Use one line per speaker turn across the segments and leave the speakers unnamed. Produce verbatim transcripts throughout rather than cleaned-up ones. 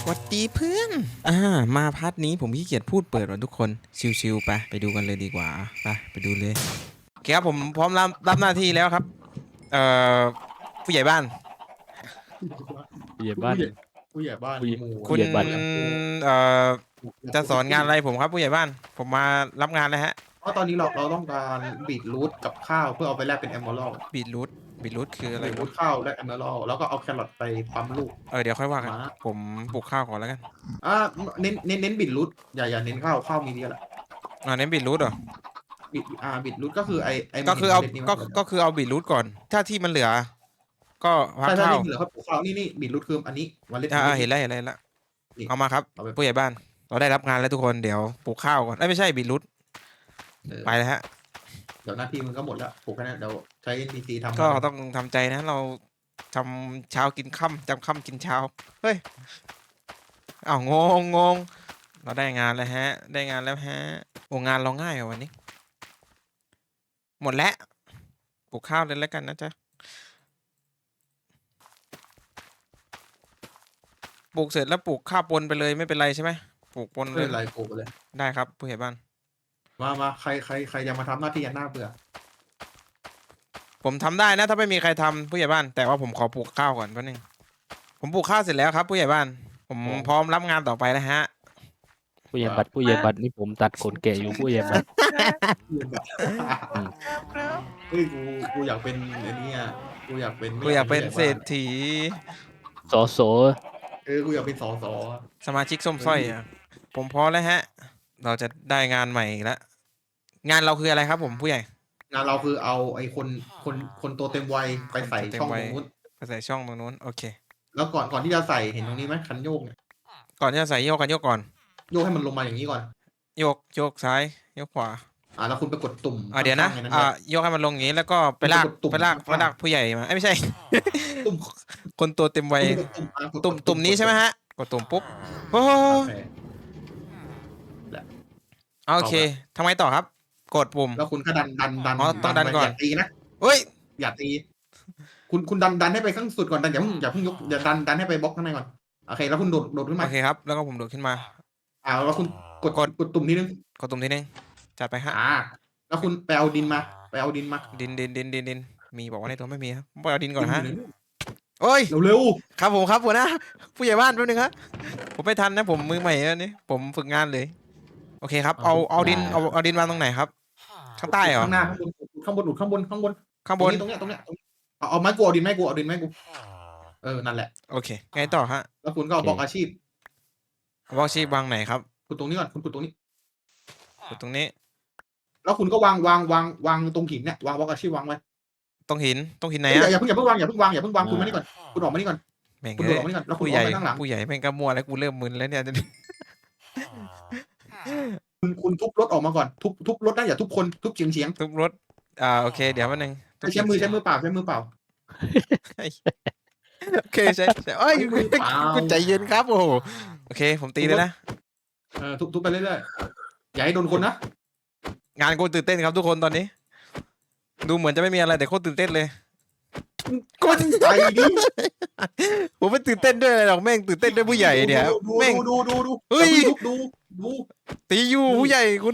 วัสดีเพื่อนอ่ามาพาร์ทนี้ผมขี้เกียจพูดเปิดว่ะทุกคนชิวๆไปไปดูกันเลยดีกว่าไปไปดูเลยโอเคครับผมพร้อมรับรับหน้าที่แล้วครับเอ่อผู้ใหญ่บ้าน
ผู้ใหญ่บ้าน
ผู้ใหญ่ผู้ใหญ่บ้าน
ผู้ใหญ่
หมู่
คุณ
ผู้ใหญ่บ้าน
เอ่อจะสอนงานอะไรผมครับผู้ใหญ่บ้านผมมารับงานแล้วฮะ
เพราะตอนนี้เราเราต้องการบีทรูทกับข้าวเพื่อเอาไปแลกเป็นแอมเบอร์
บีทรูทบีทรูทคืออะไร
บีทรู
วะ
ทข้าวแลกแอมเบอร์แล้วก็เอาแครอทไปปั๊มลูก
เออเดี๋ยวค่อยว่ากัน
มา
ผมปลูกข้าวก่อนแล้วกัน
อ่าเน้นเน้นเน้นบีทรูทอย่าอย่าเน้นข้าวข้าวมีเดียวแหละ
อ่าเน้นบีทรูทเหรอ
บีทอ่าบีทรูทก็คือไอไอ
ก็คือเอา
เห็นมล็ดนี้ไหม
ก็ก็คือเอาบีทรูทก่อนถ้าที่มันเหลือก็พัก
ใช่ใช่
ข้าว
นี่เหลือครับปลูกข้าวนี่นี่บีทรูทคืออันนี้เมล็ด
อ่า
เมล็ดนี้
เห็นแล้วเห็นแล้วเห็นแล้ว
นี่
เอามาครับ
เอาไป
ผู้ใหญ่บ้านเราได้รับงานแล้วทุกคนเดี๋ยวปลูกข้าวก่อนเอ้ยไม่ใช่บีทรูท
เออ
ไปแล้วฮะ
เดี๋ยวหน้าที่มึงก็หมดแล้วปลูกแค่นั้นเดี๋ยวใช้ เอ็น พี ซี ทำ
ก็
แล้วกัน
ต้องทำใจนะเราทำเช้ากินค่ำจำค่ำกินเช้าเฮ้ยอ้าวงงงงเราได้งานแล้วฮะ ได้งานแล้วฮะโอ้งานเราง่ายกว่าวันนี้ หมดแล้วปลูกข้าวเลยแล้วกันนะจ๊ะปลูกเสร็จแล้วปลูกข้าวปนไปเลยไม่เป็นไรใช่ไหมปลูกปนเลย
ไม่เป็นไรปลูกไปเลย
ได้ครับผู้ใหญ่บ้าน
มามาใครใครใครจะมาทำหน้าที่ยันหน้าเบื่อ
ผมทำได้นะถ้าไม่มีใครทำผู้ใหญ่บ้านแต่ว่าผมขอปลูกข้าวก่อนแป๊บนึงผมปลูกข้าวเสร็จแล้วครับผู้ใหญ่บ้าน ผมพร้อมรับงานต่อไปแล้วฮะ
ผู้ใหญ่บัตรผู้ใหญ่บัตรนี่ผมตัดขนแกะอยู่ผู้ใหญ่บัตรอืม
เฮ้ยกูกูอยากเป็นไอ้นี่อ่ะกูอยากเป็นไม่
กูอยากเป็น
ผู้ใหญ่
เศร
บ้า
ษฐี
สอสอ
เออกูอยากเป็นสอสอ
สมาชิกส้มสร้อยอ่ะผมพร้อมแล้วฮะ เราจะได้งานใหม่อีกแล้วงานเราคืออะไรครับผมผู้ใหญ่
งานเราคือเอาไอ้คนคนคนตัวเต็มวัยไปใส่
คนตัวเต็ม
ช่อง
วั
ต
ย
รงนู้น
ไปใส่ช่องตรงนู้นโอเค
แล้วก่อนก่อนที่จะใส่เห็นตรงนี้ไหมคันโยกเนี่ย
ก่อนที่จะใส่โยกกันโยกก่อน
โยกให้มันลงมาอย่างนี้ก่อน
โยกโยกซ้ายโยกขวา
อ่าแล้วคุณไปกดตุ่ม
อ่าเดี๋ยวนะ
ข้างๆใน
อ่า
ไว้
โยกให้มันลงอย่างนี้แล้วก็ไปลาก
กดตุ่ม
ไปลาก
ข้างๆ
ไปลากผู้ใหญ่มาเอ้ยไม่ใช่
ตุ่ม
คนตัวเต็มวัย
กดตุ่มอ่ะกด
ตุ่ม
กด
ตุ่มนี้ใช่ไหมฮะกดตุ่มปุ๊บโอ้
โอเค
โอเคทำไมต่อครับ กดปุ่ม
แล้วคุณก็ดันดันดัน
อ๋อต้องดัน
ไป
ก่อน
อย่าตีนะ
เฮ้ย
อย่าตี คุณคุณดันดันให้ไปข้างสุดก่อนดันอย่าเพิ่งอย่าเพิ่งยกอย่าดันดันให้ไปบล็อกข้างในก่อนโอเคแล้วคุณโดดโดดขึ้นมา
โอเคครับแล้วก็ผมโดดขึ้นมา
อ่าแล้วคุณกด
กด
กดตุ่มนิดนึง
กดตุ่มทีนึงจัดไปฮะ
อ่า แล้วคุณไปเอาดินมา ไปเอาดินมา
ดินดินดินดินดินมีบอกว่าในตัวไม่มีครับผมไปเอาดินก่อนฮะ
ดิ
โอ้ย
นเร็ว
ครับผมครับหัวหน้าผู้ใหญ่บ้านแป๊บนึงครับผมไม่ทันนะผมมือใหม่อันนี้ผมฝึกงานเลย โอเคครับเอาเอาดินเอาเอาดินวางตรงไหนครับ ข้างใต้เหรอ
ข้างหน้าข้างบนข้างบนข้างบนข้างบน
ข้างบน
ตรงเนี้ยตรงเนี้ยตรงเนี้ยเอาเอาไม้กูเอาดินไม้กูเอาดินไม้กูเออนั่นแหละ
โอเคไงต่อฮะ
แล้วคุณก็เอาบล็อกอาชีพ
วอลชีพวางไหนครับ
คุณตรงนี้ก่อนคุณกดตรงนี้
กดตรงนี้
แล้วคุณก็วางวางวางวางตรงหินเนี่ยวางบล็อกอาชีพวางไว้
ตรงหินตรงหินไหน
อย่า
อะ
อย่าเพิ่งอย่าเพิ่งวางอย่าเพิ่งวางอย่าเพิ่งวางคุณมานี่ก่อนคุณออกมานี่ก่อน
แม่ง
คุณ
เอ้
โดดอย อกมานี่ก่อนแล้วคุณ
ผู้
อ
ให
อก
ญ่
มาข้างหลัง
ผู้ใหญ่แม่งก็มัวแล้วกูเริ่มมึนแล้วเนี่ย
คุณคุณทุบรถออกมาก่อนทุบทุบรถได้อย่าทุบคนทุบเฉียงเฉียง
ทุบรถอ่าโอเคเดี๋ยวแป๊บนึงทุบ
ใช้มือใช้มือเปล่าใช้มือเปล่า
โอเคใช่ใช่เอ้ย
มือเปล่า
คุณใจเย็นครับโอ้โหโอเค ผมตีเลยนะ
เออทุบทุบไปเรื่อยๆอย่าให้โดนคนนะ
งานกูตื่นเต้นครับทุกคนตอนนี้ ดูเหมือนจะไม่มีอะไรแต่โคตรตื่นเต้นเลย
กดใจดิ
ผมไม่ตื่นเต้นด้วยอะไรหรอกแม่งตื่นเต้นด้วยผู้ใหญ่เนี่ย
ดู
แม่ง
ดูดูดูดู
เฮ้ย
ดูดูดู
ตีอยู่ผู้ใหญ่คุณ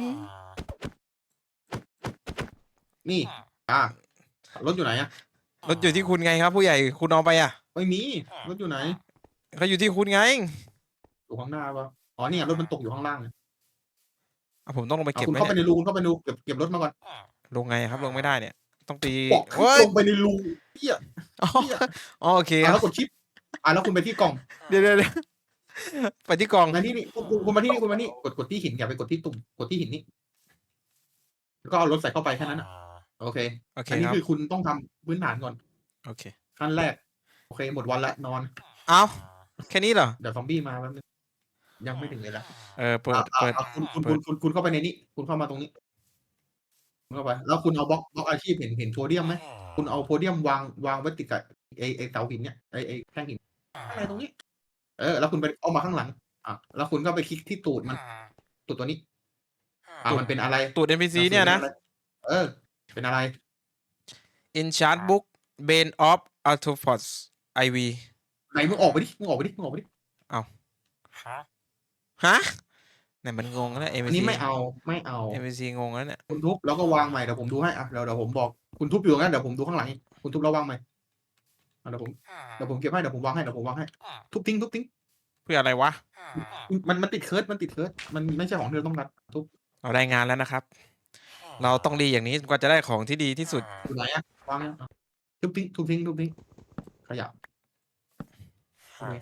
นี่อ่ะรถอยู่ไหนอ่ะ
รถอยู่ที่คุณไงครับ ผู้ใหญ่คุณเอาไปอ่ะ
ไม่มีรถอยู่ไหน
เขาอยู่ที่คุณไง
อยู่ข้างหน้าปะอ๋อเนี่ยรถมันตกอยู่ข้างล่างเนี่ย
อ่ะผมต้องลงไป
อ่ะ
เก็บ
คุณ
ไหม
เข้าไป
เนี่ย
ในรูคุณเข้าไปในรูเก็บเก็บรถมาก่อน
ลงไงครับลงไม่ได้เนี่ย ต้องตี
บอกให้
เฮ้ย
ลงไปในรูเฮีย
อ๋ออ๋อโอเคค
อ่ะ
รับ
แล้วกดชิปอ่ะแล้วคุณไปที่กล่อง
เดี๋ยวเดี๋ยวเดี๋ยวไปที่กล่อง
มาที่นี่คุณคุณคุณมาที่นี่คุณมานี่กดกดที่หินอย่าไปกดที่ตุ่มกดที่หินนี่แล้วก็เอารถใส่เข้าไปแค่นั้นอ่ะโอเค
โอเค
อันนี้
ครับ
คือคุณต้องทำพื้นฐานก่อน
โอเค
ขั้นแรกโอเคหมดวันละนอน
เอาแค่นี้เหรอ
เดี๋ยวซอมบี้มาแป๊บนึงยังไม่ถึงเลยละ
เออเปิด
อ่ะอ่ะ
เปิด
อ่ะคุณคุณ
เปิ
คุ
ด
ณคุณคุณเข้าไปในนี้ คุณเข้ามาตรงนี้คุณเข้าไป แล้วคุณเอาบล็อกบล็อกอาชีพเห็นเห็นโพเดียมไหมคุณเอาโพเดียมวางวางไว้ติดกับไอไอเสาหินเนี่ยไอไอแท่งหินอะไรตรงนี้ เออ แล้วคุณไปเอามาข้างหลัง อ่ะแล้วคุณก็ไปคลิกที่ตูดมันตูดตัวนี้ อ่ะมันเป็นอะไร
ตูด เอ็น พี ซี เนี่ยนะ
เออ เป็นอะไร
In Chart Book Bane of Arthropods ไอ วี
ไหนมึงออกไปดิมึงออกไปดิมึงออกไปดิ
ฮะเนี่ยมันงงแล้ว
อันนี้
เอ็ม วี ซี
ไม่เอาไม่เอา
เอ็ม วี ซี งงแล้วเนี่ย
คุณทุบแล้วก็วางใหม่เดี๋ยวผมดูให้อ่ะเดี๋ยวเดี๋ยวผมบอกคุณทุบอยู่งั้นเดี๋ยวผมดูข้างหลังอีกคุณทุบแล้ววางใหม่อ่ะเดี๋ยวผมเดี๋ยวผมเก็บให้เดี๋ยวผมวางให้เดี๋ยวผมวางให้ทุบทิ้งทุบทิ้ง
เพื่ออะไรวะ
มันมันติดเคิร์ดมันติดเคิร์ดมันไม่ใช่ของที่เราต้องรัดทุบ
เราได้งานแล้วนะครับ เราต้องรีอย่างนี้จนกว่าจะได้ของที่ดีที่สุด
อยู่ไหนอ่ะวางยังอ่ะทุบทิ้งทุบทิ้งทุบทิ้งขยะโอเค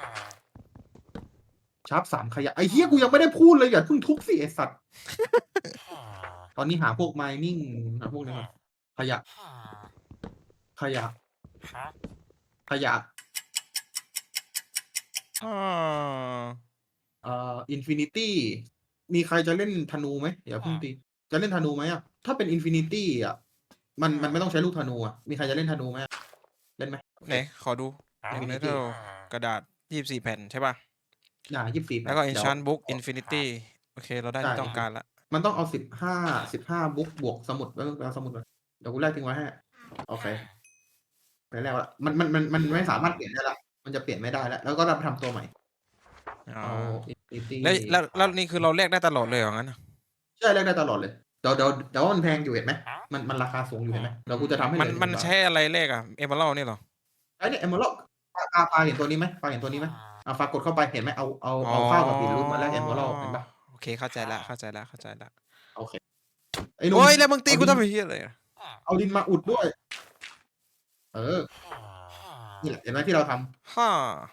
ชาร์ปสามขยะไอ้เหี้ยกูยังไม่ได้พูดเลยอย่าเพิ่งทุบสิไอ้สัตว์ตอนนี้หาพวกไมนิ่งหาพวกนี้ก่อนขยะ ขยะ ขยะ
อ่า
เอ่ออินฟินิตี้มีใครจะเล่นธนูไหมอย่าเพิ่งตีจะเล่นธนูไหมอ่ะถ้าเป็นอินฟินิตี้อ่ะมันมันไม่ต้องใช้ลูกธนูอ่ะมีใครจะเล่นธนูไหมอะเล่นไหม
ไหนขอดู
Infinity
Metal กระดาษยี่สิบสี่แผ่นใช่ป่ะ
อ่ายี่สิบสี่
แล้วก็ Enchant Book Infinity โอเค เราได้
ใช่
ที่ต้องการละ
มันต้องเอาสิบห้าสิบห้าบุ๊กบวกสมุดแล้วเอาสมุดมาเดี๋ยวกูแลกทิ้งไว้ให้โอเคไปแล้วละมันมันมันมันไม่สามารถเปลี่ยนได้ละมันจะเปลี่ยนไม่ได้แล้วแล้วก็รับทำตัวใหม่
อ๋อ
เอาอินฟินิตี้
แล้วแล้วแล้วนี่คือเราแลกได้ตลอดเลยเหรองั้นน่ะ
ใช่แลกได้ตลอดเลยเดี๋ยวเดี๋ยวเดี๋ยวมันแพงอยู่เห็นไหมมันมันราคาสูงอยู่เห็นไหมเดี๋ยวกูจะทำให้เห
มัน
ลือ
มัน
หงบาท
ใช้อะไรแลกอะเอเมอรัลนี่เหรอ
ไอ้เนี่ยเอมเมอรัลปลาปลาปลาเห็นตัวนี้ไหมปลาเห็นตัวนี้ไหมอ่ะฝากกดเข้าไปเห็นไหมเอาเอาเอาข้าวกับปีนรูปมาแลกเอมเมอรัลเห็นปะ
โอเคเข้าใจละเข้าใจละเข้าใจละ
โอเคไอ้หนุ่ม
โอ้ยแล้วมึงตี
เอา
กู
ดิน
ทำไมเฮียอะไรอะ
เอาดินมาอุดด้วย เออนี่แหละเห็นไหมที่เราท
ฮ่า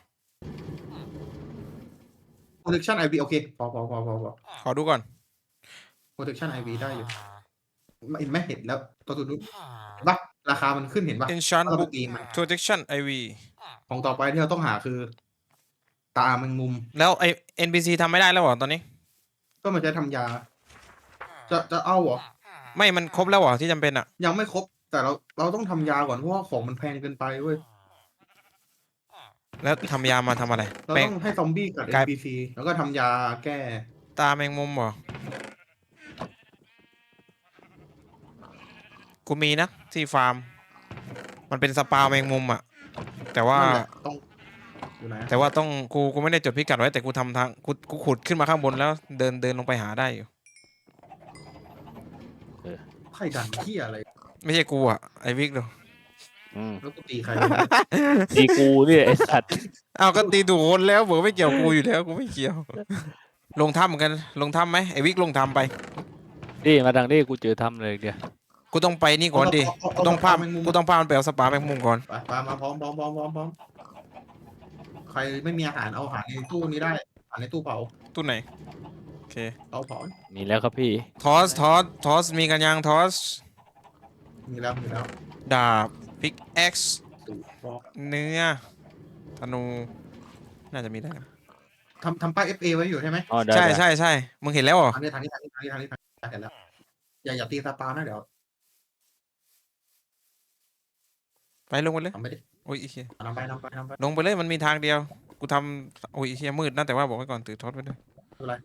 ำ protection ไอ วี โอเคพอพอพอพอพอ
ขอดูก่อน
protection ไอ วี ได้อยู่เห็นไหมเห็นแล้วตัวตัวนู้นเห็นปะราคามันขึ้นเห็นปะ
Enchant
ถ้าเราไป
Book
ตีมัน
Protection ไอ วี
ของต่อไปที่เราต้องหาคือ ตาแมงมุม
แล้วไอ เอ็น พี ซี ทำไม่ได้แล้วเหรอตอนนี้
ก็มันจะทำยา จะจะเอาเหรอ
ไม่มันครบแล้วเหรอที่จำเป็นอะ
ยังไม่ครบ แต่เราเราต้องทำยาก่อนเพราะว่าของมันแพงเกินไปเว้ย
แล้วทำยามาทำอะไร
เรา
แปลง
ต้องให้ซอมบี้กับ
กลาย
เอ็น พี ซี แล้วก็ทำยาแก้
ตาแมงมุมเหรอ กูมีนะที่ฟาร์ม มันเป็นสปาแมงมุมอะแต่ว่า
นั่นแหละต้องอยู่ไหนอะ
แต่ว่าต้องกูกูไม่ได้จดพิกัดไว้แต่กูทำทางกูกูขุดขึ้นมาข้างบนแล้วเดินเดินลงไปหาได้อยู่
ไข่ดันเที่ยอะไร
ไม่ใช่กูอะไอวิกดู
อืม
แล้วกูตีใคร
ตีกูเนี่ยไอ้สัตว์
อ้าวก็ตีถูกคนแล้วบอกไม่เกี่ยวกูอยู่แล้วกูไม่เกี่ยว ลงถ้ำเหมือนกันลงถ้ำไหมไอวิกลงถ้ำไป
นี่มาทางนี้กูเจอทำเลยเดียว
กูต้องไปนี่ก่อนดิกูต้องพากูต้องพามันไปเอาสปาแมงมุมก่อน
ไปไปมาพร้อมพร้อมพร้อมพร้อมพร้อมใครไม่มีอาหารเอาอาหารในตู้นี้ได้อาหารในตู้เผา
ตู้ไหนโอเค
เอาเผา
มีแล้วครับพี่
ทอสทอสทอสมีกันยังทอส
มีแล้วมีแล้ว
ดาบพิกแอ็กซ์
ตู้บอก
เนื้อธนูน่าจะมีได้กัน
ทำทำป้าย เอฟ เอ ไว้อยู่ใช่ไหม
อ๋อได้
ใช่
ได้
ใช่ใช่มึงเห็นแล้วเหรอ
ทางนี้ทางนี้ทางนี้ทางนี้ทางนี้ทางนี้เห็นแล้วอย่าอย่าตีสปานะเดี๋ยว
ไปลงไปเลย
ทำไม่ได้
โอ้ยไอ้เหี้ย
นำไปนำไปนำไป
ลงไปเลยมันมีทางเดียว กูทำโอ้ยไอ้เฮียมืดนะแต่ว่าบอกไว้ก่อนตื่นทอดไว้ด้วย
ไม่เป็นไร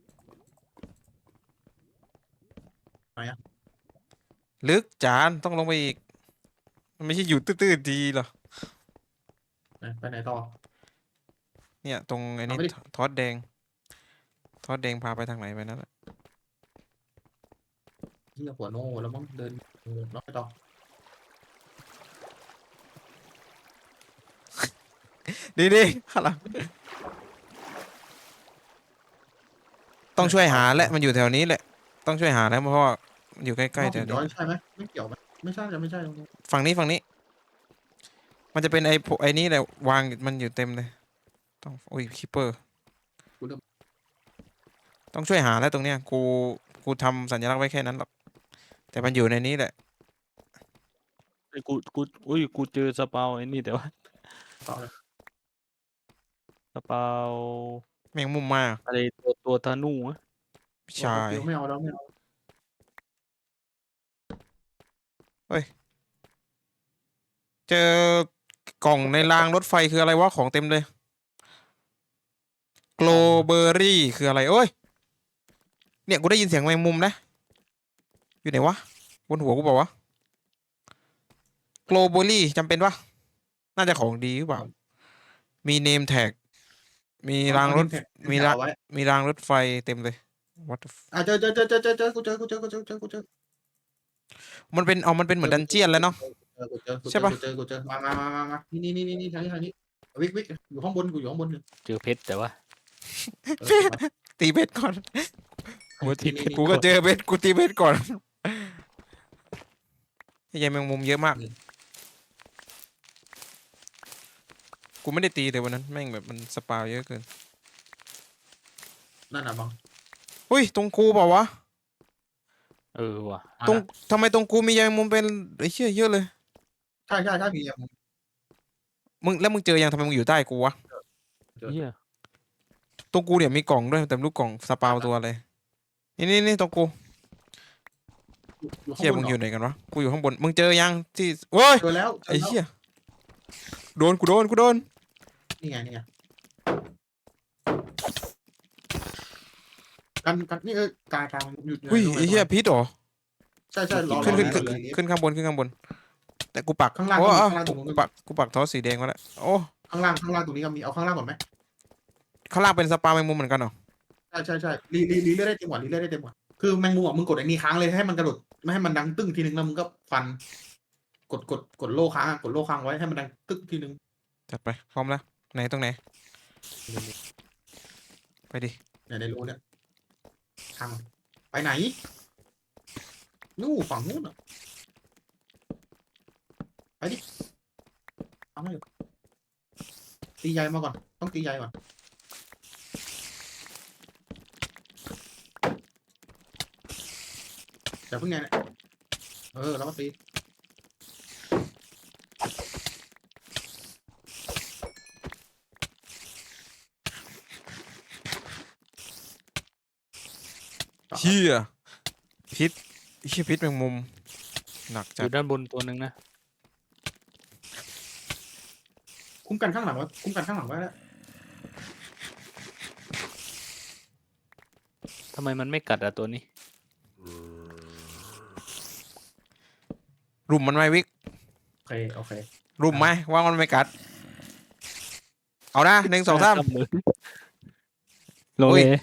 ลึกจานต้องลงไปอีก มันไม่ใช่อยู่ตื้อๆดีหรอ
ไปไปไหนต่อ
เนี่ยตรงไอ้นี่
เอาไปดิ
ทอดแดง ทอดแดงพาไปทางไหนไปนั่นแหละ
ที่หัวโน่แล้วมั้งเดินเออแล้วไปต่อ
ดีดีข้างหลังต้องช่วยหาแหละมันอยู่แถวนี้แหละ ต้องช่วยหาแล้วเพราะว่ามันอยู่ใกล้ๆแถว
ย้
นี้
อยใช่ไหมไม่เกี่ยวไหมไม่ใช่จะไม่ใช่ตรงนี้
ฝั่งนี้ฝั่งนี้ มันจะเป็นไอ้พวกไอ้นี่แหละวางมันอยู่เต็มเลย ต้องโอ้ยคิปเปอร์ ต้องช่วยหาแล้วตรงเนี้ย กูกูทำสัญลักษณ์ไว้แค่นั้นหรอก แต่มันอยู่ในนี้แหละ
ไอ้กูกูอุ้ยกูเจอสเปาไอ้นี่แต่ว่า
ต่อเลย
สเปา
แมงมุมมา
อะไรตัวตัวธนูอะ
ใช่
เดี๋ยวไม่เอาแล้วไม่เอา
เจอกล่องในรางรถไฟคืออะไรวะของเต็มเลยโกลเบอรี่คืออะไรเอ้ยเนี่ยกูได้ยินเสียงแมงมุมนะ อยู่ไหนวะบนหัวกูบอกวะโกลเบอรี่จำเป็นวะน่าจะของดีหรือเปล่ามีเนมแท็กมี
เอา
ราง
เอา
ร
ดิ
ถ
นแผ่นดิน
มี
แผ่น
ราง
เอาไว้
มีรางรถไฟเต็มเลย what the f
อ่ะเจอเจอเจอเจอเจอเจอกูเจอกูเจอกูเจอกูเจอกูเจอ
มันเป็นเอามันเป็นเหมือนดันเจียนแล้วเนาะ
เจอกูเจอกู
ใช่
เจอ
ปะ
กูเจอกูเจอมามามามามานี่นี่นี่นี่ทางนี้ทางนี้วิกวิกอยู่ข้างบนกูอยู่ข้างบนอยู่
เจอเพชรแต่ว่า
เออมา
ตีเบ็ดก่อนกูตี
นี่
เบ็ด
นี่
กูก็เจอเบ็ดกูตีเบ็ดก่อนไอ้ยายแมงมุมเยอะมาก
นี่
กูไม่ได้ตีแต่วันนั้นแม่งแบบมันสปาวเยอะเกิน
นั่นน่ะบัง
อุ้ยตรงกูเปล่าวะ
เออว่ะ
มา
ตรง
ละ
ทำไมตรงกูมียายแมงมุมเป็นไอ้เชี่ยเยอะเลย
ใช่ใช่ใช่มีอ่ะ
มึงแล้วมึงเจอยังทำไมมึงอยู่ใต้กูวะ
เจอ
เหี้ย
ตรงกูเนี่ยมีกล่องด้วยแต่ไม่รู้กล่องสปาวตัวอะไรนี่นี่นี่ตรงกู
อยู่ข้าง
เชี่ย
บ
มึ
น
ง
เหร
อยู่
อ
ไหนกันวะกูอยู่ข้างบนมึงเจอยังที่เว้ย
เจอแล้วเจอ
ไอ้
แล้ว
เชี่ยโดนกูโดนกูโดน
นี่ไงนี่ไงกันกันนี่เออกายทางหยุด
อุ้ยไอ้เหี้ยพิษเหรอ
ใช่ใช่รอ
ขึ้น
รอ
ขึ้น
ร
ขึ้
อน รอ
ขึ้นข้างบนขึ้นข้างบน แต่กูปัก
ข้างล่าง
โอ้
ก็มี
เอา
ข้างล่างตรงนู้นก็
กู
มี
ปักกูปักทอสีแดงมาแล้วโอ้
ข้างล่างข้างล่างตรงนี้ก็มีเอาข้างล่างก่อนไหม
ข้างล่างเป็นสปาแมงมุมเหมือนกันเหรอ
ใช่ใช่ใช่รีรีรีเลือดได้เต็มหมดรีเลือดได้เต็มหมดคือแมงมุมอ่ะมึงกดไอ้นี่ค้างเลยให้มันกระโดดไม่ให้มันดังตึ้งทีนึงแล้วมึงก็ฟัน กดกดกดโล่ค้างอะกดโล่ค้างไว้ให้มันดังตึ้งทีนึง
จัดไปพร้อมแล้วไหนตรงไหนไปดิ
เนี่ยในรูเนี่ยทางไปไหนนู่นฝั่งนู้นอ่ะไปดิเอาไม่ตีใหญ่มาก่อนต้องตีใหญ่ก่อนอย่าเพิ่งไงเนี่ยเออแล้วก็ตีต่อ
เชี่ยพิษเชี่ยพิษแมงมุมหนัก
อ
จัด
ยู่ด้านบนตัวหนึ่งนะ
คุ้มกันข้างหลังไว้คุ้มกันข้างหลังไว้แล้ว
ทำไมมันไม่กัดอะตัวนี้
รุมมันไหมวิก
โอเคโอเค
รุมไหมว่ามันไม่กัด เอานะหนึ่งสองสาม
โล
อุ้
เลย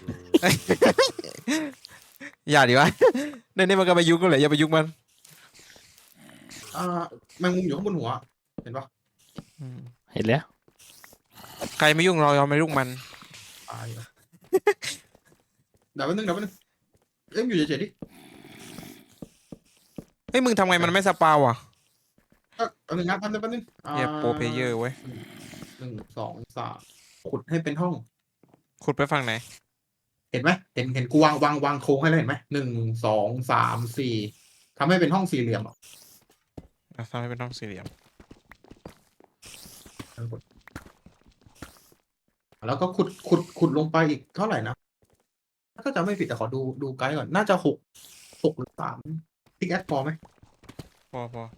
อย่าดีวะ เดี๋ยวนี้มันก็ไปยุกกันเลยอย่าไปยุกมัน
อ่าแมงมุมอยู่ข้างบนหัวเห็นปะ
อืม
เห็นแล้ว
ใครไม่ยุ่งเราเราไม่ยุ่งมัน
ตายแล้วเดี๋ยวแป๊บนึงเดี๋ยวแป๊บนึงเอ้ยอยู่เฉยๆดิ
เฮ้ยมึงทำไงมันไม่สปาวอ่ะ
เอ้ยแป๊บนึงนะแป๊บนึงแป๊บนึงอ่า
เฮียโปรเพลเยอร์เว้ย
หนึ่งสองสามขุดให้เป็นห้อง
ขุดไปฝั่งไหน
เห็นไหมเห็นเห็นกูวางวางวางโครงให้แล้วเห็นไหมหนึ่งสองสามสี่ทำให้เป็นห้องสี่เหลี่ยมอ่ะ
อ่ะทำให้เป็นห้องสี่เหลี่ยม
แล้วก็ขุดขุดขุดลงไปอีกเท่าไหร่นะถ้าจะไม่ผิดแต่ขอดูดูไกด์ก่อนน่าจะหกหกหรือสามพิกแอดพอไหม
พอพอ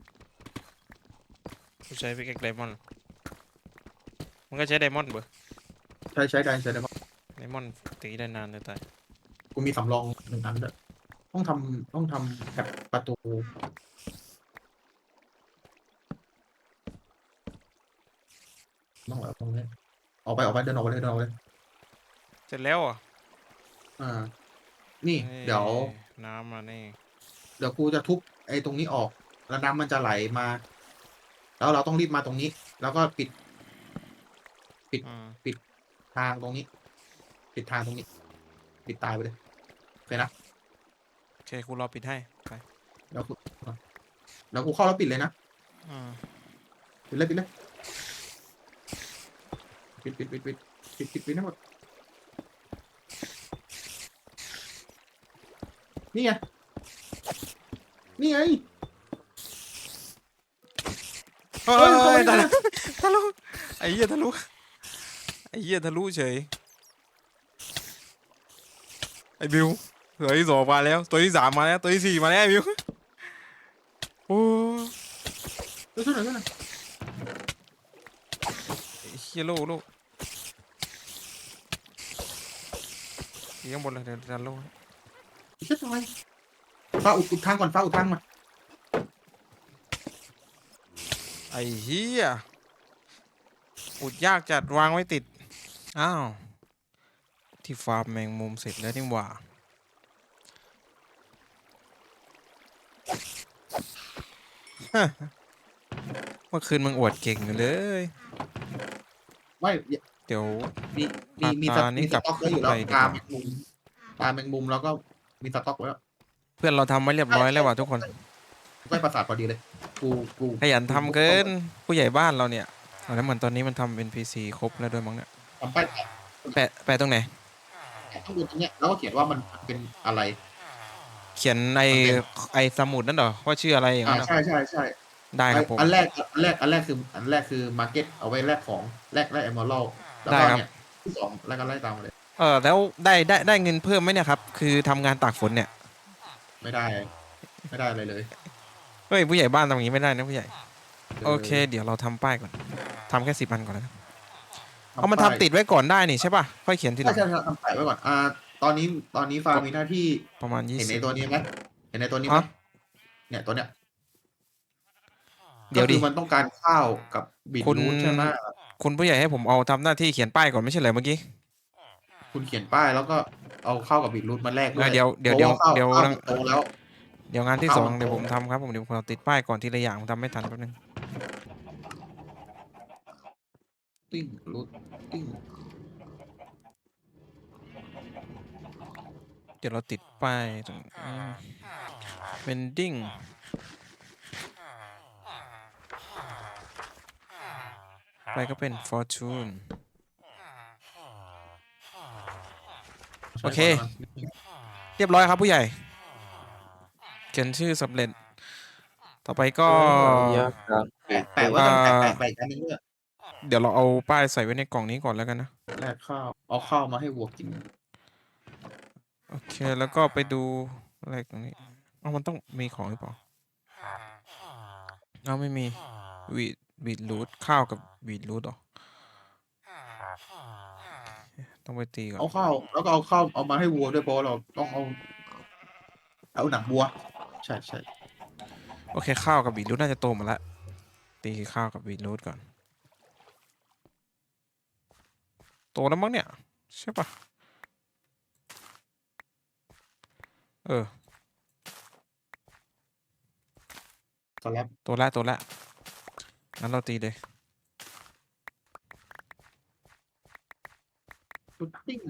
กูใช้พิกแอคไดมอนด์มันก็ใช้ไดมอนด์เบอร์
ใช้ใช้ได้ใช้ได้
ไดมอนด์ตีได้นานเลยตาย
กูมีสำรองหนึ่งอันด้วยต้องทำต้องทำแถบประตูต้องแบบตรงนี้ออกไปออกไปเดินออกไปเลยเดินออกไปเลย
เสร็จแล้วอ่ะ
อ่า นี่ เดี๋ยว
น้ำมานี่
เดี๋ยวกูจะทุบไอ้ตรงนี้ออก แล้วน้ำมันจะไหลมา แล้วเราต้องรีบมาตรงนี้ แล้วก็ปิด
อืม
ทางตรงนี้ ปิดทางตรงนี้ ปิดตายไปเลยโอเคนะ
โอเคกูรอปิดให้ไป
แล้วกูแล้วกูเข้าแล้วปิดเลยนะ
อืม
ปิดเลยปิดเลยปิดปิดปิดปิดปิดปิดปิดทั้งหมดนี่ไงนี่ไง
เฮ้
เฮ้
ย
ยเข้าไป
ทะ
ได้
ลุทะลุไอ้เหี้ยทะลุไอ้เหี้ยทะลุเฉยไอ้บิวตัวที่สองมาแล้วตัวที่สามมาแล้วตัวที่สี่มาแล้วไอ้บิวโอ้
เดี๋ยวช่วยหน่อยช่วยหน่อย
ไอ้เหี้ยโลโลอยู่ข้างบนเลยเดี๋ยวดันโล
เช็ดทำไมฟ้าอุดอุดทางก่อนฟ้าอุดทางมา
ไอ้เหี้ยอุดยากจัดวางไว้ติดอ้าว ที่ฟาร์มแมงมุมเสร็จแล้วนี่หว่า เมื่อคืนมึงอวดเก่งอยู่เลย
ไม่
เดี๋ยว
มีมีมีส
ตานี่
มีส
กลับ
ต็อกไว้อยู่
ขึ้น
แล้ว
ไปดี
ปลาก
ว่า
แมงมุมปลาแมงมุมแล้วก็มีสต็อกไว้แล้ว
เพื่อนเราทำไว้เรียบร้อยแล้วว่ะทุกคน
ใกล้ปราสาทพอดีเลย กูกู
ขยันทำเกินผู้ใหญ่บ้านเราเนี่ยเอาแล้วเหมือนตอนนี้มันทำ เอ็น พี ซี ครบแล้วด้วยมั้งเนี่ย
ทำป้ายแปะ
แปะแปะตรงไหน
แปะข้างบนตรงเนี้ยแล้วก็เขียนว่ามันเป็นอะไร
เขียนใน
มันเป็น
ไอสมุดนั่นเหรอว่าชื่ออะไรอย่าง
อ่า
นั้นเหรอ
ใช่ใช่ใช่
ได้ครับผม
อันแรกอันแรกอันแรกคืออันแรกคือมาร์เก็ตเอาไว้แลกของแลกแลกเอมเมอรัลแล้ว
ได้
ก็
ครับ
เนี่ยที่สองแล้วก็ไล่ตามมาเลย
เออแล้วได้ได้ได้เงินเพิ่มไหมเนี่ยครับ คือทำงานตากฝนเนี่ย
ไม่ได้ ไม่ได้อะไรเลย
เฮ้ยผู้ใหญ่บ้านทำอย่างนี้ไม่ได้นะผู้ใหญ่
ออ
โอเค เดี๋ยวเราทำป้ายก่อนทำแค่สิบอันก่อนแล้วกัน
ทำ
เอามัน
ป้าย
ทำติดไว้ก่อนได้นี่ใช่ป่ะค่อยเขียนทีห
ใช่
ลัง
ใช่ใช่ทำแปะไว้ก่อนอ่าตอนนี้ตอนนี้ฟาร์มมีหน้าที่
ประมาณยี่
เห็น
สิ
ใน
บ
ตัวนี้ไหมเห็นในตัวนี้ไหม
ฮะ
เนี่ยตัวเนี้ย
เดี๋ยวดิ
ก็คือมันต้องการข้าวกับบีท
คุณ
รูทใช่ไหม
คุณผู้ใหญ่ให้ผมเอาทำหน้าที่เขียนป้ายก่อนไม่ใช่เหรอเมื่อกี้
คุณเขียนป้ายแล้วก็เอาข้าวกับบีทรูทมาแลกด้วย
อ่ะเดี๋ยวเดี๋ยว
พราะาข้า
เดี๋ยว
ข้า
เดี๋ยว
มันโตแล้ว
เดี๋ยวงานที่
เอา
สอง
มัน
เดี๋ยว
โต
ผมทำครับผมเดี๋ยวผมติดป้ายก่อนทีละอย่างผมทำไม่ทันแป๊บนึง
ติ้งรูทติ้ง
เดี๋ยวเราติดป้ายตรงเป็นดิ้งไปก็เป็น fortune โอเค เรียบร้อยครับผู้ใหญ่เขียนชื่อสำเร็จ ต่อไปก็
ยากจัง
แปะแปะไว้กันแปะแปะแปะอีกอันนึงด้วย
เดี๋ยวเราเอาป้ายใส่ไว้ในกล่องนี้ก่อนแล้วกันนะ
แลกข้าวเอาข้าวมาให้วัวกิน
โอเคแล้วก็ไปดูอะไรตรงนี้เอามันต้องมีของหรือเปล่าเอาไม่มีวีดวีดรูทข้าวกับวีดรูทหรอต้องไปตีก่อน
เอาข้าวแล้วก็เอาข้าวเอามาให้วัวด้วยเพราะเราต้องเอาเอาหนังวัวใช่ใช่
โอเคข้าวกับวีดรูทน่าจะโตหมดแล้วตีข้าวกับวีดรูทก่อนโตแล้วมั้งเนี่ยใช่ปะเออ
สลับ
โตแล้วโตแล้วงั้นเราตีเลย
ชุดติ้ง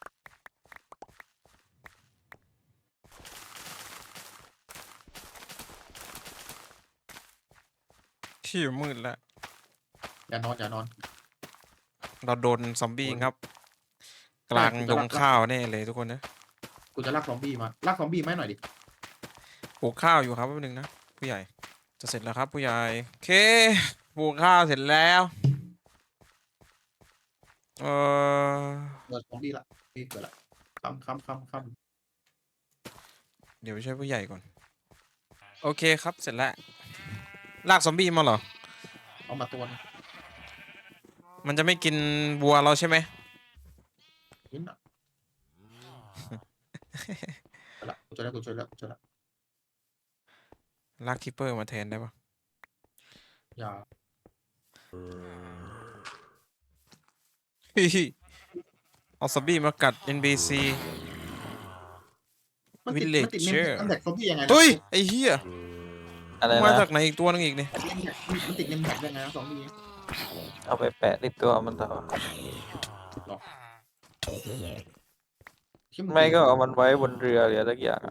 ที่มืดแล้ว
อย่านอนอย่านอน
เราโดนซอมบี้ครับ กลางดงข้าวแน่เลยทุกคนนะ
กูจะลากซอมบี้มาลากซอมบี้ไหมาให้หน่อยดิ
ปลูกข้าวอยู่ครับแป๊บนึงนะผู้ใหญ่จะเสร็จแล้วครับผู้ใหญ่โอเคปลูกข้าวเสร็จแล้วเออ
เปิดซอมบี้ละนี่เปิดละคำคำคำค
เดี๋ยวไปช่วยผู้ใหญ่ก่อนโอเคครับเสร็จแล้วลากซอมบี้มาเหรอ
ำเอามาตัวนึง
มันจะไม่กินวัวเราใช่ไหม
นิดหน่อยเอาละกูช่วยแล้วกูช่วยแล้วกูช่วยแล้ว
ลากคิปเปอร์มาแทนได้ปะ
อย่า
ฮิฮิเอาซอมบี้มากัด เอ็น พี ซี
มันติดมันติดเนม
Villager
มันแท็กซอมบี้ยังไงนะ
เฮ้ยไอ้เหี้ย
อะไร
มา
นะ
จากไหนอีกตัวนึงอีกเนี่ย
มันติดเนมแท็กยังไงนะซอมบี้
เอาไปแปะที่ตัวมันต่อ
หรอ
ไม่ก็เอามันไว้บนเรือหรืออะไรสักอย่างอะ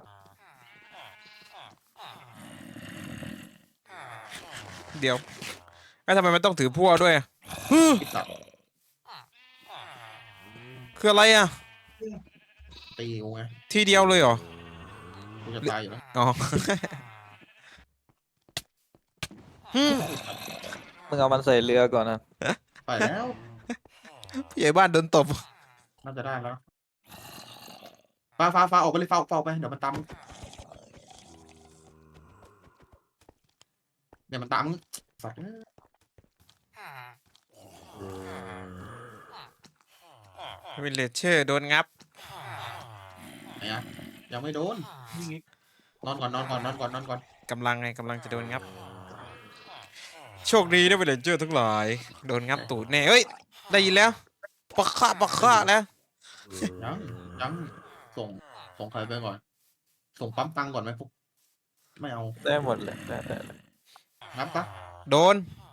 เดี๋ยวแล้วทำไมมันต้องถือพั่วด้วยอะ
ติดตัด
คืออะไรอ่ะ
ตีกูไง
ทีเดียวเลยเหรอ
กูจะตายอยู่แล้ว
อ๋อ ฮึ่ม
มึงเอามันใส่เรือก่อนนะ
ไปแล้ว
ผู้ใหญ่บ้านโดนตบ
น่าจะได้แล้วฟ้าฟ้าฟ้าออกไปเลยฟ้าฟ้าออกไปเดี๋ยวมันตามมึงเดี๋ยวมันตามมึงสัตว์เอ้ย
วิลเลเชอร์โดนงับ
ไหนอะยังไม่โดนนอนก่อนนอนก่อนนอนก่อนนอนก่อน
กำลังไงกำลังจะโดนงับ โชคดีนะวิลเลเจอร์ทั้งหลาย โดนงับตูดแน่เฮ้ย ได้ยินแล้วปะฆ่าปะฆ่าแล้ว
ยังยังส่งส่งใครไปก่อน ส่งปั๊มตังค์ก่อนไหมพวกไม่เอา
ได้หมดเลยได้ได้ได้
งับปะ
โดน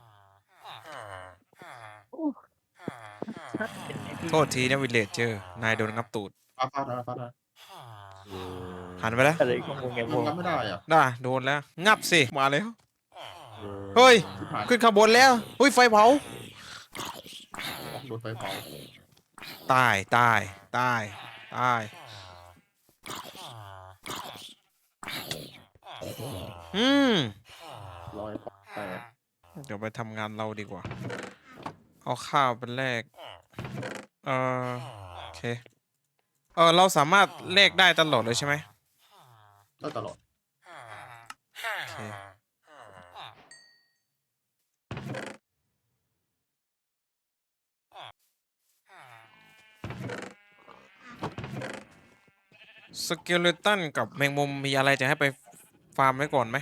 โทษทีนะวิลเลจเจอร์นายโดนงับตูด
ฟาดฟาดฟาดฟาดฟาด
หันไปแล้ว
อะไรของมึงไงพ
มั
วน ก
งับไม่ได้อะ
ได้โดนแล้ว งับสิ มาแล้ว เฮ้ย
ชิบหาย
ขึ้นข้างบนแล้วเฮ้ย ไฟเผา
โดนไฟเผา
ตาย ตาย ตาย ตาย อืม
ลอยไป
เดี๋ยวไปทำงานเราดีกว่า เอาข้าวเป็นแรก เออโอเค เออ เราสามารถเลขได้ตลอดเลยใช่ไหม
ได้ตลอด
โอเค สเกเลตันกับแมงมุมมีอะไรจะให้ไปฟาร์มไว้ก่อนไหม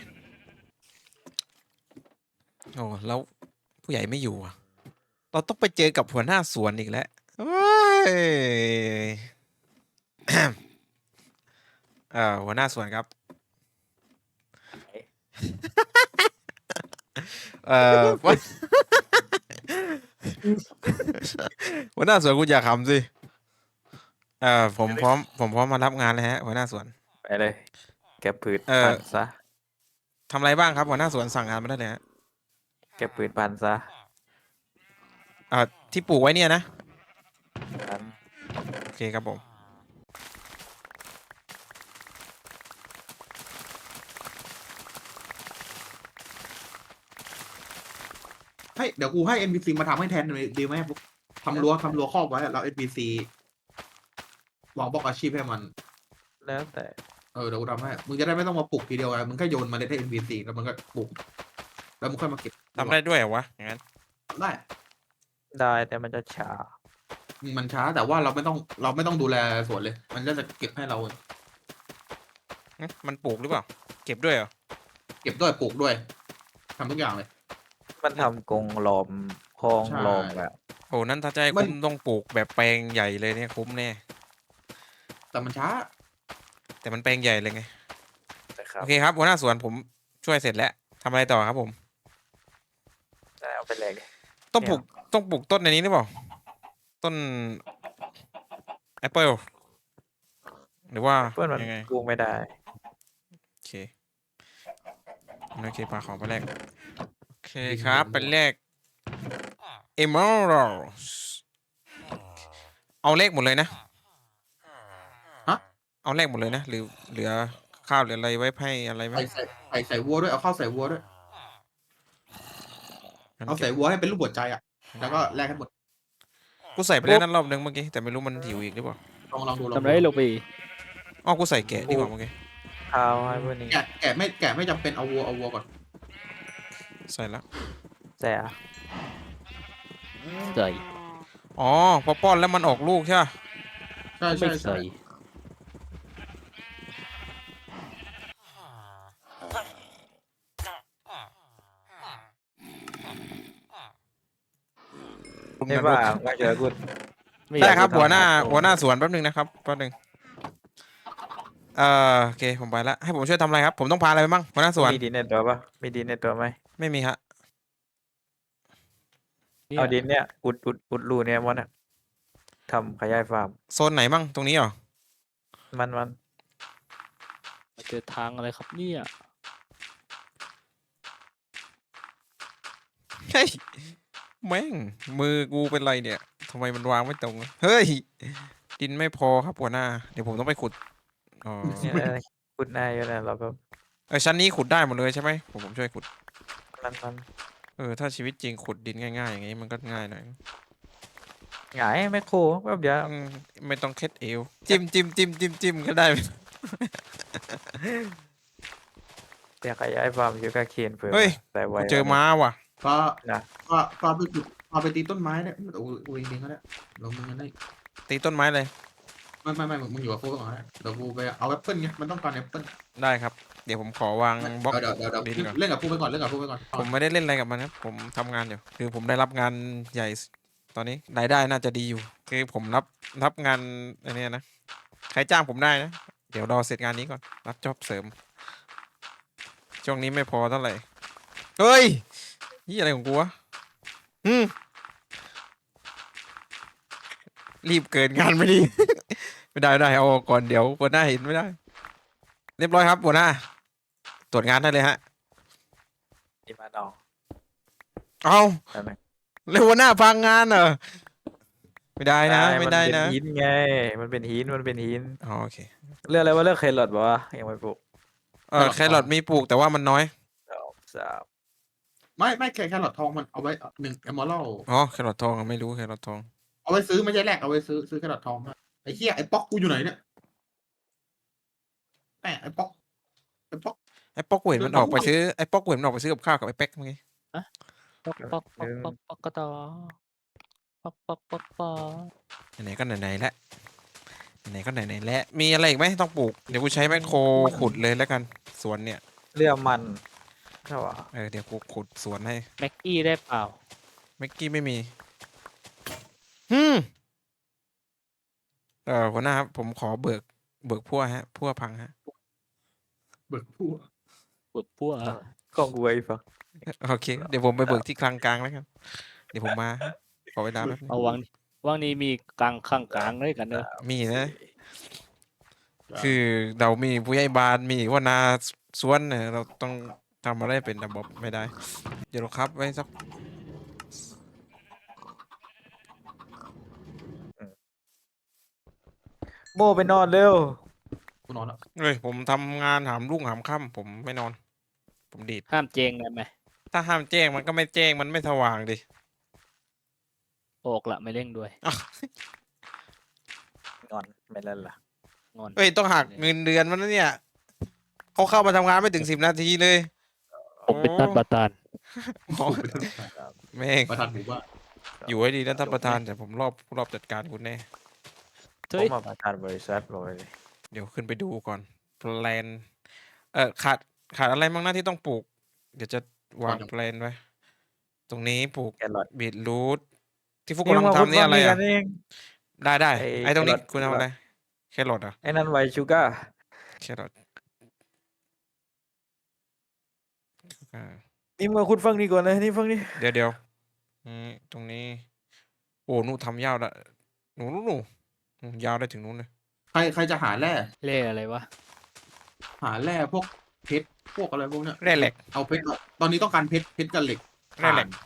โอ้แล้วผู้ใหญ่ไม่อยู่อ่ะ เราต้องไปเจอกับหัวหน้าสวนอีกแล้วโอ้ย เอ่อหัวหน้าสวนครับ เอ่อ หัวหน้าสวนคุณอย่าขำสิ เอ่อผมพร้อมผมพร้อมมารับงานเลยฮะหัวหน้าสวน
ไปเลย แกปืน
เอ่อ
พันซะ
ทำอะไรบ้างครับหัวหน้าสวนสั่งงานมาได้เลยฮะ
แกปืนพันซะ
เอ่อที่ปลูกไว้เนี่ยนะ
พัน
โอเคครับผม
ให้เดี๋ยวกูให้ เอ็น พี ซี มาทำให้แทนเลยดีไหมพวกทำรั้วทำรั้วครอบไว้แล้ว เอ็น พี ซี วางบล็อกอาชีพให้มัน
แล้วแต่
เออเดี๋ยวกูทำให้ มึงจะได้ไม่ต้องมาปลูกทีเดียวไงมึงแค่โยนเมาเลยให้ เอ็น พี ซี แล้วมันก็ปลูก แล้วมึงค่อยมาเก็บ
ทำได้ด้วยเหรอวะอย่างนั้น
ได้
ได้แต่มันจะช้า
มันช้าแต่ว่าเราไม่ต้องเราไม่ต้องดูแลสวนเลย มันก็จะเก็บให้เรา
หึมันปลูกหรือเปล่า เก็บด้วยเหรอ
เก็บด้วยปลูกด้วยทำทุกอย่างเลย
มันทำกรงล้อมคลอง
ใช่
ล้อมอะ
โอ้นั้นถ้าจะให้
มัน
คุ้มต้องปลูกแบบแปลงใหญ่เลยเนี่ยคุ้มแน่
แต่มันช้า
แต่มันแปลงใหญ่เลยไง
นะครับ
โอเคครับหัวหน้าสวนผมช่วยเสร็จแล้วทำอะไรต่อครับผม
ได้เอาไปเลย
ต้องปลูกต้องปลูกต้นในนี้หรือเปล่า ต้นแอปเปิลหรือว่า
เพื่อนมัน
ยังไง
กูไม่ได้
โอเคโอเคพาของไปแรกโอเคครับเป็นแรก emeralds เอาเลขหมดเลยนะ
ฮะ
เอาเลขหมดเลยนะหรือเหลือข้าวเหลืออะไรไว้ให้อะไรไหม
ใส่ใส่ใส่ใส่วัวด้วยเอาข้าวใส่วัวด้วย
งั้น
เอา
เก็
ใส่
บ
วัวให้เป็นรูปหัวใจอ่ะแล้วก็แลกให้หมด
กูใส่ไปแล้วนั่นรอบนึงเมื่อกี้แต่ไม่รู้มันหิวอีกหรือเปล่า
ลองลองดูลอง
ทำ
ดู
ไรลงไป
อ๋อกูใส่แกะดีกว่าเมื่อกี้
ข้าวให้พวกนี้
แกะแกะไม่แกะไม่จำเป็นเอาวัวเอาวัวก่อน
ใส่แล้ว
แต่
ใส่
อ๋อพอป้อนแล้วมันออกลูกใช่ปะ
ใช่
ไม่
ใช่ใช่
ใส่
ไม่ว่าไม่เจอกู
ม่
ได้
อยาก
ครับ
จะทำ
หัวหน้า
โอ้
หัวหน้าสวนแป๊บนึงนะครับแป๊บนึงเอ่อโอเคผมไปแล้วให้ผมช่วยทำอะไรครับผมต้องพาอะไรไปบ้างหัวหน้าสวน
มีดินในตัวปะมีดินในตัวไหม
ไม่มีฮะ
เนี่ย
เอาดินเนี่ยอุดอุดอุดรูเนี่ยมันอะทำขยายฟาร์ม
โซนไหนมั่งตรงนี้เหรอ
มันมัน
มาเจอทางอะไรครับเนี่ย
เฮ้ยแม่งมือกูเป็นไรเนี่ยทำไมมันวางไม่ตรงเฮ้ยดินไม่พอครับหัวหน้าเดี๋ยวผมต้องไปขุดอ๋อ
เนี่ยเออขุดหน้าอยู่นะเราก็
เออชั้นนี้ขุดได้หมดเลยใช่ไหมผมผมช่วยขุด
มันมัน
เออถ้าชีวิตจริงขุดดินง่ายๆอย่างงี้มันก็ง่ายหน่อย
หงายแมคโครแป๊บเดียว
อืมไม่ต้องเคล็ดเอวจิ้มจิ้มจิ้มจิ้มจิ้มก็ได้
แต่ขยายฟาร์มอยู่กับเคนเพิ่ม
เฮ้ย
แต่ไว
กูเจอม้าว่ะ
ก็
นะ
ก็ก็ไปปลูกเอาไปตีต้นไม้เนี่ยโอ้ยโอ้ยเองก็ได้เรามึงกันได้
ตีต้นไม้เลย
ไม่ไม่ไม่มึงอยู่กับกูก่อนนะเดี๋ยวกูไปเอาแอปเปิลไงมันต้องการแอปเปิล
ได้ครับ เดี๋ยวผมขอวางบล็อก
เดี๋ยวเดี๋ยวเดี๋ยว
ดินก่อน
เล่นกับกูไปก่อนเล่นกับกูไปก่อน
ผมไม่ได้เล่นอะไรกับมันครับผมทำงานอยู่คือผมได้รับงานใหญ่ตอนนี้รายได้น่าจะดีอยู่ คือผมรับรับงานอันเนี้ยนะ ใครจ้างผมได้นะ เดี๋ยวรอเสร็จงานนี้ก่อน รับจ็อบเสริม ช่วงนี้ไม่พอเท่าไหร่ เฮ้ย นี่อะไรของกูวะอืมรีบเกินงานไม่ดี ไม่ได้ไม่ได้เอาออกก่อนเดี๋ยวหัวหน้าเห็นไม่ได้ เรียบร้อยครับหัวหน้า ตรวจงานได้เลยฮะ
นี่มาน้อง
เอา
ได้ไหม
เร็วหัวหน้าพังงานเหรอ ไม่ได้นะ ไม่ได้
มัน
นะ
เป็นหินไง มันเป็นหินมันเป็นหิน
อ๋อโอเค
เรื่องอะไรว่าเรื่องเครอทบอกว่ายังไม่ปลูก
เออแครอทมีปลูกแต่ว่ามันน้อย
สองสาม
ไม่ไม่แค่แค่หลอดทองมันเอาไว้หนึ่งเอมอรัล
อ๋อแครอททองอะไม่รู้แครอททอง
เอาไว้ซื้อไม่ใช่แลกเอาไว้ซื้อซื้อแค่หลอดทองมาไอ้เหี้ยไอ้ป๊อกกูอยู่ไหนเนี่ยแหมไอ้ป๊อกไอ้ป๊อก
ไอ้ป๊อกเวนมันออกไปซื้อไอ้ป๊อกเวนมันออกไปซื้อกับข้าวกับไอ้เป๊กเมื่อกี้
ป๊อกป๊อกป๊อกป๊อกป๊อกกระตอป๊อกป๊อกป๊อกป๊อก
ไหนๆก็ไหนๆแล้วไหนๆก็ไหนๆแล้วมีอะไรอีกไหมต้องปลูกเดี๋ยวกูใช้แมคโครขุดเลยแล้วกันสวนเนี่ย
เรื่องมันใช่ป่ะ
เออเดี๋ยวกูขุดสวนให้
แม็กกี้ได้เปล่า
เมื่อกี้ไม่มีฮึมเออหัวหน้าครับผมขอเบิกเบิกพั่วฮะพั่วพังฮะ
เบิกผู้
ปวดพั่ว
กล้องกูไอ้ฟัง
โอเคเดี๋ยวผมไปเบิกที่คลังกลางแล้วกันเดี๋ยวผมมาฮะขอเวลาแป๊บนึง
เอาวังวังนี้มีกลางข้างกลางด้วยกันเนอะ
มีนะ คือเรามีผู้ใหญ่บ้านมีหัวหนาสวนเนี่ยเราต้องทำอะไรเป็นระบบไม่ได้ เดี๋ยวเราครับไว้สัก
โมไปนอนเร็ว
กูนอนแล้ว
เฮ้ยผมทำงานหามรุ่งหามค่ำผมไม่นอน ผมดีด
ห้ามเจงได้ไหม
ถ้าห้ามแจ้งมันก็ไม่แจ้งมันไม่สว่างดิ
ออกละไม่เร่งด้วย
งอนไม่เล่นละ
งอน
เฮ้ยต้องหักเงินเดือนมันนะเนี่ยเขาเข้ามาทำงานไม่ถึงสิบนาทีเลย
ผมเป็นตันประธาน
โอ้แม่ง
ประธานหมู่บ้าน
อยู่ให้ดีนะท่านประธานแต่ผมรอบรอบจัดการคุณแน่
เฮ้ย
ผมมาประธานบริษัทเลย
เดี๋ยวขึ้นไปดูก่อนแพลนเออขาดขาดอะไรบ้างหน้าที่ต้องปลูก เดี๋ยวจะวางแพลนไว้ ตรงนี้ปลูก
แครอท
บีทรูทที่ฟุกกำลังทำนี่อะไร
กั
อ่ะ
นเอง
ได้ได้
ไอ้
ไอ้ตรงนี้
แครอท
คุณทำอะไรแครอทเหรอ่ะ
ไอ้นั่นไวชูก้า
แครอทอ่า
นี่มาคุณฟังนี่ก่อนนะนี่ฟังนี่
เดี๋ยวเดี๋ยวนี่ตรงนี้ โอ้หนูทำยาวละหนูหนูหนูหนูยาวได้ถึงนู้นเลย
ใครใครจะหาแร่
เล่อะไรวะ
หาแร่พวกเพชรพวกอะไรพวกเนี้ย
แร่เหล็ก
เอาเพชรตอนนี้ต้องการเพชรเพชรกับเหล็ก
แร่เหล็ก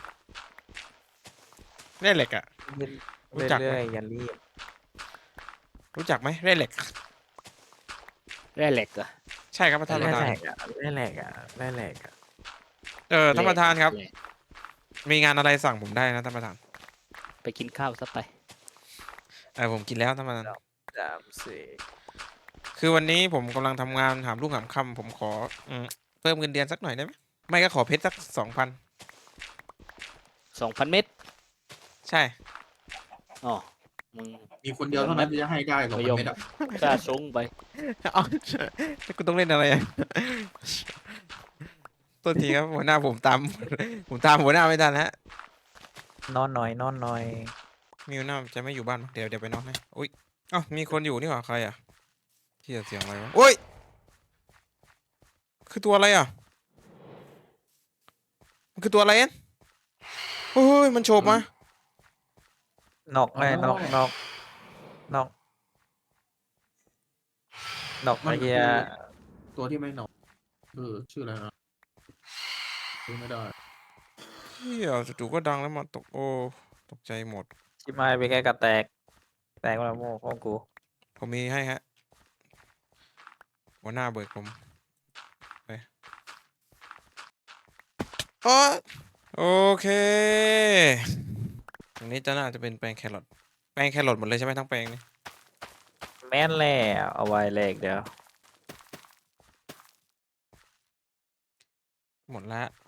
แร่เหล็กอ่ะ รู้จักไหม
เรื่อยๆอย่ารีบ
รู้จักไหมแร่เหล็ก
แร่เหล็กเหรอะ
ใช่ครับท่านป
แร่
ระธาน
แหลกอ่ะแร่แหลกอ่ะแร่แหลกอ่ะ
เออท่านประธานครับ มีงานอะไรสั่งผมได้นะท่านประธาน
ไปกินข้าวซะไป
เออผมกินแล้วท่านประธาน
สามสี่
คือวันนี้ผมกำลังทำงานหามลูกหามค่ำผมขออืมเพิ่มเงินเดือนสักหน่อยได้ไหมไม่ก็ขอเพชรสักสองพัน
สองพันเม็ด
ใช่
อ๋อ มึง
มีคนเดียวเท่านั้นที่จะให้ได้สองพันเมตรอะ
กล้าชงไป
เอาคุณต้องเล่นอะไรอ่ะ ตัวทีครับหัวหน้าผมตาม ผมตามหัวหน้าไม่ทันฮะ
นอนหน่อยนอนหน่อย
มีหัวหน้าจะไม่อยู่บ้านมั้งเดี๋ยวเดี๋ยวไปนอนให้อุ้ยเอ้ามีคนอยู่นี่หว่าใครอ่ะที่เสียงอะไรวะโอ้ยคือตัวอะไรอ่ะมันคือตัวอะไรเอ็นโอ้ยมันโฉบมาน
อกไงนอกนอกนอกนอก
มั
ไอ้
น
เหี้
คื
ย
อตัวที่ไม่หนอกเออชื่ออะไรนะชื่อไม่ได้
เฮียจู่ๆก็ดังแล้วมาตกโอ้ตกใจหมด
ชิมายไปแค่กระแตก แตกแล้วโม่ของกู
ผมมีให้ฮะหัวหน้าเบิกผมไปโอ้โอเคตรงนี้จะน่าจะเป็นแปลงแครอทแปลงแครอทหมดเลยใช่ไหมทั้งแปลงนี่
แม่นแล้วเอาไว้แลกเดี๋ยว
หมดแล้ว